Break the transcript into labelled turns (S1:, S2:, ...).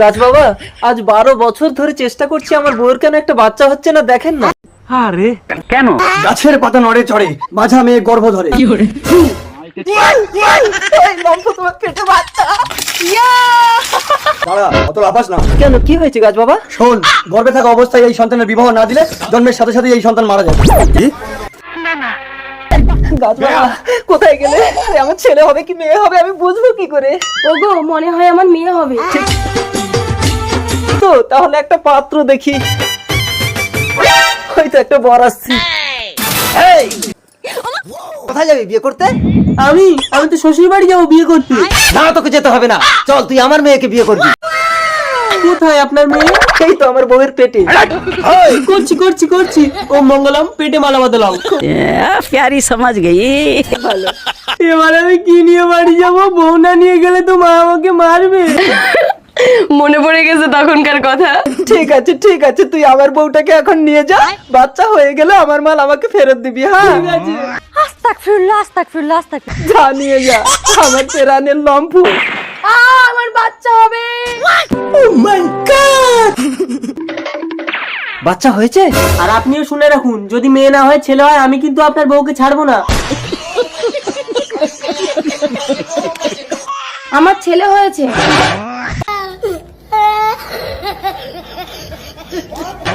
S1: গাছ বাবা, আজ 12 বছর ধরে চেষ্টা করছি, আমার বউয়ের কেন একটা বাচ্চা হচ্ছে না, দেখেন না।
S2: আরে কেন?
S3: গাছের পাতা নড়ে চড়ে, মাঝা মেয়ে গর্ভ ধরে। দাঁড়া, অত লাফাস না।
S1: কেন, কি হয়েছে গাছ বাবা?
S3: শোন, গর্ভে থাকা অবস্থায় এই সন্তানের বিবাহ না দিলে জন্মের সাথে সাথে এই সন্তান মারা যাবে। কি?
S1: গাছ বাবা কোথায় গেলে? আরে, আমার ছেলে হবে কি মেয়ে হবে আমি বুঝবো কি করে?
S4: ওগো, মনে হয় আমার মেয়ে হবে।
S1: তো তাহলে একটা পাত্র দেখি, হয়তো একটা বর আসছে। এই, কোথায় যাবি বিয়ে করতে?
S4: আমি তো শ্বশুর বাড়ি যাবো বিয়ে করতে।
S1: না, তোকে যেতে হবে না, চল তুই আমার মেয়েকে বিয়ে করবি।
S4: কোথায় আপনার মেয়ে?
S1: এই তো আমার বউয়ের পেটে।
S4: করছি করছি করছি। ও মঙ্গলম, পেটে মালা বদলাও।
S5: प्यारी समझ गई।
S4: এবার আমি কি নিয়ে বাড়ি যাবো? বউ না নিয়ে গেলে তো মা আমাকে মারবে। মনে পড়ে গেছে তখনকার কথা।
S1: ঠিক আছে ঠিক আছে, তুই আমার বউটাকে এখন নিয়ে যা, বাচ্চা হয়ে গেলে আমার মাল আমাকে ফেরত দিবি। হ্যাঁ,
S4: আস্তাগফিরুল্লাহ আস্তাগফিরুল্লাহ আস্তাগফিরুল্লাহ।
S1: যা নিয়ে যা আমার পেরানের লম্ফু।
S4: আমার বাচ্চা হবে।
S1: বাচ্চা হয়েছে?
S4: আর আপনিও শুনে রাখুন, যদি মেয়ে না হয় ছেলে হয়, আমি কিন্তু আপনার বউকে ছাড়বো না। আমার ছেলে হয়েছে।